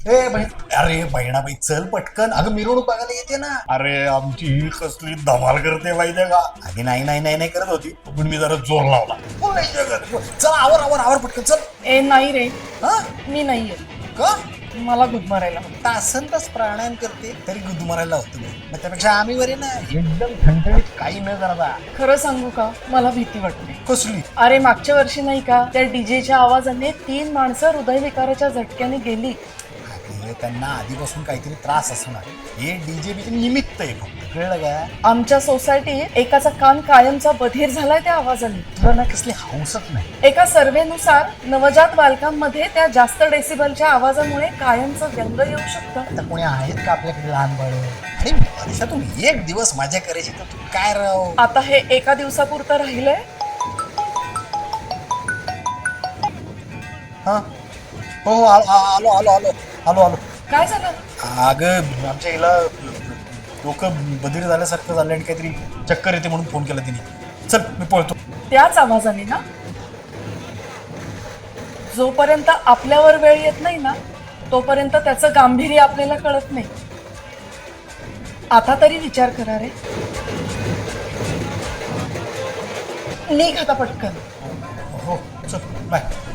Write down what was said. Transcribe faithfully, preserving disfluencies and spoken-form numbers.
ए बहीण, अरे बहिणाबाई चल पटकन. अगं मिरवणूक बघायला येते ना. अरे आमची ही कसली धमाल करते माहितीये का. अगं नाही नाही नाही नाही करत होती पण मी जरा जोर लावला. बोल, चल आवर आवर आवर पटकन चल. ए नाही रे, हा मी नाहीये. का मला गुदमरायला हवं. तासन तास प्राणायाम करते तरी गुदमरायला होतं मग त्यापेक्षा आम्ही बरे ना एकदम ठणठणीत काही न करता. खरं सांगू का, मला भीती वाटते. कसली? अरे मागच्या वर्षी नाही का, त्या डीजेच्या आवाजाने तीन माणसं हृदयविकाराच्या झटक्याने गेली. अरे त्यांना आधीपासून काहीतरी त्रास असणार. हे डीजे बीचे निमित्त आहे फक्त, कळलं का. आमच्या सोसायटीत एकाचा कान कायमचा बधीर झालाय त्या आवाजाने. तुला ना कसली हौसच नाही. एका सर्व्हेनुसार नवजात बालकांमध्ये त्या जास्त डेसिबलच्या आवाजामुळे कायमचं व्यंग येऊ शकतं. आता कोणी आहेत का आपल्याकडे लहान बाळ? अरे वर्षातून एक दिवस मजा करायची तर तू काय राव. आता हे एका दिवसापुरतं राहिलंय. हा हो हो आलो आलो आलो आलो आलो आलो. काय झालं? अगं आमच्या हिला डोकं बधीर झाल्यासारखं झालं आणि काहीतरी चक्कर येते म्हणून फोन केला तिने. चल मी पळतो. त्याच आवाजाने ना, जोपर्यंत आपल्यावर वेळ येत नाही ना तोपर्यंत त्याचं गांभीर्य आपल्याला कळत नाही. आता तरी विचार करा रे. निघ आता पटकन. हो चल बाय.